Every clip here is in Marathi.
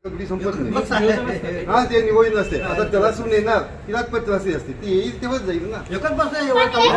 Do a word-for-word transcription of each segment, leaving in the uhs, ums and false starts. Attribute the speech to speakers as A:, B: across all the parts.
A: अगदी संपत नाही. हा ते निवडी नसते. आता त्याला सून येणार तिला पत्रासी असते ती येईल तेव्हाच जाईल ना.
B: एकच बस नाही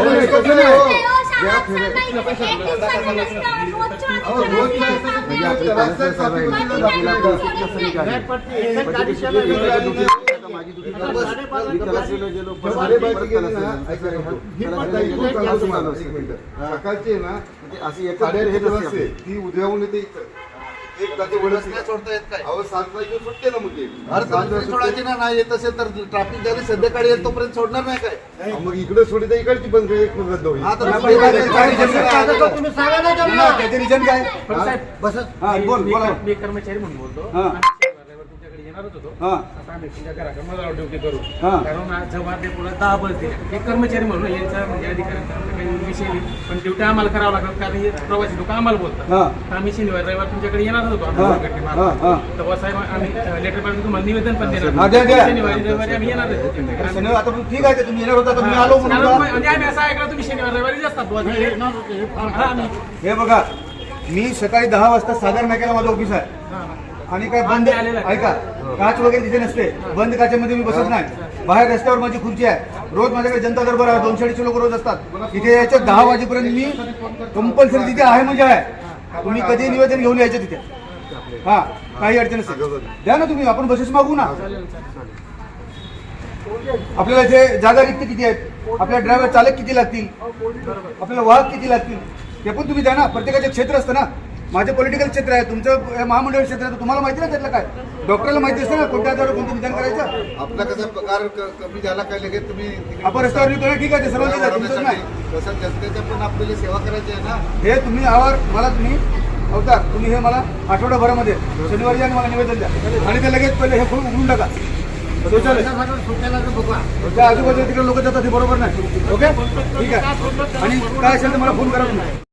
A: सकाळची ना अशी ती उद्याहून येते एक ताचे वडच नाही सोडता येत काय. अहो सात वाजता सुटते ना मुली.
B: अरे सात सोडायची ना नाही येत असेल तर ट्रॅफिक झाली संध्याकाळी येईल तोपर्यंत सोडणार नाही काय.
A: मग इकडे सोडी तर इकडची बंद एक रद्द होईल.
B: तुम्ही सांगा ना त्याचे रिजन काय.
C: बस
B: बोल बोला.
C: मी कर्मचारी म्हणून बोलतो. तुमच्याकडे येणारच होतो. आता आम्ही तुमच्या घराकडे मला ड्युटी करू. कारण जेव्हा ते पुढे दहा बसते एक कर्मचारी म्हणून यांचा म्हणजे अधिकाऱ्यांचा काही विषय नाही. पण ड्युटी आम्हाला करावं लागत कारण हे प्रवासी लोक आम्हाला बोलतात. आम्ही शनिवार रविवार तुमच्याकडे येणारच होतो. तेव्हा साहेब आम्ही लेटर पाठवून तुम्हाला निवेदन पण देणार. शनिवारी रविवारी आम्ही येणार
B: ठीक आहे तुम्ही येणार होता तुम्ही आलो
C: म्हणजे आम्ही असं ऐकलं तुम्ही शनिवार रविवारी असतात.
B: हे बघा मी सकाळी दहा वाजता सागर नाक्याला माझं ऑफिस आहे आणि काय बंद ऐका काच वगैरे तिथे नसते. बंद काचेमध्ये मी बसत नाही. बाहेर रस्त्यावर माझी खुर्ची आहे. रोज माझ्याकडे जनता दरबार आहे. दोनशे अडीचशे लोक रोज असतात. तिथे यायच्या दहा वाजेपर्यंत मी कंपल्सरी तिथे आहे म्हणजे आहे. तुम्ही कधी निवेदन घेऊन यायचं तिथे. हा काही अडचण नसेल द्या ना तुम्ही. आपण बसेस मागू ना. आपल्याला इथे जागा रिक्त किती आहेत. आपल्या ड्रायव्हर चालक किती लागतील. आपल्याला वाहक किती लागतील ते पण तुम्ही द्या ना. प्रत्येकाचे क्षेत्र असतं ना. माझे पॉलिटिकल क्षेत्र आहे. तुमचं महामंडळ क्षेत्र आहे. तुम्हाला माहिती ना त्यातलं काय. डॉक्टरला माहिती असतं ना कोणत्या आजारावर कोणतं निदान करायचं.
A: आपला कसा पगार कमी झाला काय लगेच तुम्ही
B: आपण रस्त्यावर निघतो ठीक आहे. ते सर्वांचे तुमचंच नाही.
A: तसं जनतेच्या पण आपल्याला सेवा करायची आहे ना.
B: हे तुम्ही आवर मला तुम्ही अवतार तुम्ही हे मला आठवड्याभरामध्ये शनिवारी आणि मला निवेदन द्या आणि ते लगेच पहिले हे फुल उघडून टाका. आजूबाजूला तिकडे लोक जातात हे बरोबर नाही. ओके ठीक आहे. आणि काय असेल तर मला फोन करा तुम्ही.